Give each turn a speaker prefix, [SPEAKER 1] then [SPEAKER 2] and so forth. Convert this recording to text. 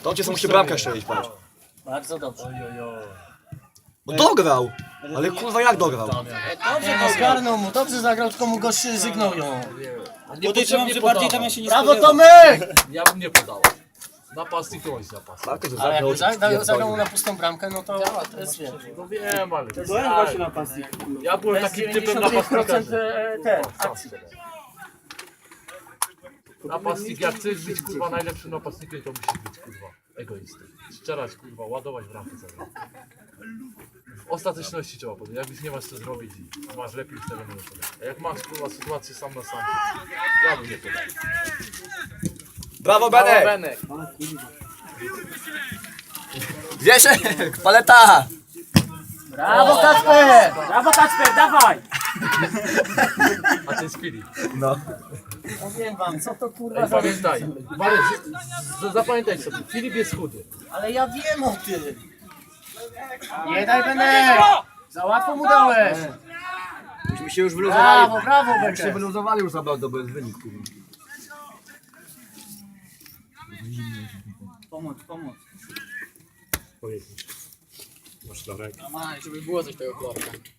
[SPEAKER 1] To cię musi bramkę strzelić, patrz.
[SPEAKER 2] Bardzo dobrze.
[SPEAKER 1] Bo dograł! Ale kurwa jak dograł?
[SPEAKER 2] Dobrze go zgarnął mu, dobrze zagrał, tylko mu goście zygnorują.
[SPEAKER 3] Podejrzewam, że bardziej tam ja się nie
[SPEAKER 2] Brawo
[SPEAKER 3] spodziewam.
[SPEAKER 2] Tomek!
[SPEAKER 4] Ja bym nie podał. Napastnik to jest napastnik.
[SPEAKER 1] Tak, to
[SPEAKER 2] Ale jakby
[SPEAKER 1] zagrał,
[SPEAKER 2] zagrał mu na pustą bramkę, no to jest wiesz.
[SPEAKER 4] No wiem, ale...
[SPEAKER 3] To jest właśnie napastnik.
[SPEAKER 4] Ja byłem
[SPEAKER 2] To jest
[SPEAKER 4] takim typem napastnika,
[SPEAKER 2] 95% te akcji.
[SPEAKER 4] napastnik, jak chcesz być kurwa najlepszym napastnikiem, to musisz być kurwa egoistą. Strzelać kurwa, ładować w ramkę zagrać. W ostateczności trzeba powiedzieć, jak już nie masz co zrobić i masz lepiej ustawionego podać. A jak masz kurwa sytuację sam na sam, to ja bym nie podał.
[SPEAKER 1] Brawo Benek! Wieszek! Paleta!
[SPEAKER 2] Brawo Kacper!
[SPEAKER 3] Brawo Kacper, dawaj!
[SPEAKER 4] A ten jest Filip.
[SPEAKER 1] No.
[SPEAKER 2] Powiem wam, co to kurwa
[SPEAKER 4] Ej,
[SPEAKER 2] za...
[SPEAKER 4] pamiętaj, Marek, zapamiętaj sobie, Filip jest chudy.
[SPEAKER 2] Ale ja wiem o tym. Nie daj Benek! Za łatwo mu dałeś.
[SPEAKER 1] Myśmy się już wyluzowali.
[SPEAKER 2] Brawo, brawo
[SPEAKER 1] Myśmy się
[SPEAKER 2] Benek.
[SPEAKER 1] wyluzowali już zabrał do bez wynik, kurwa.
[SPEAKER 3] Pomóc.
[SPEAKER 4] Masz Darek.
[SPEAKER 2] Żeby było coś tego chłopca.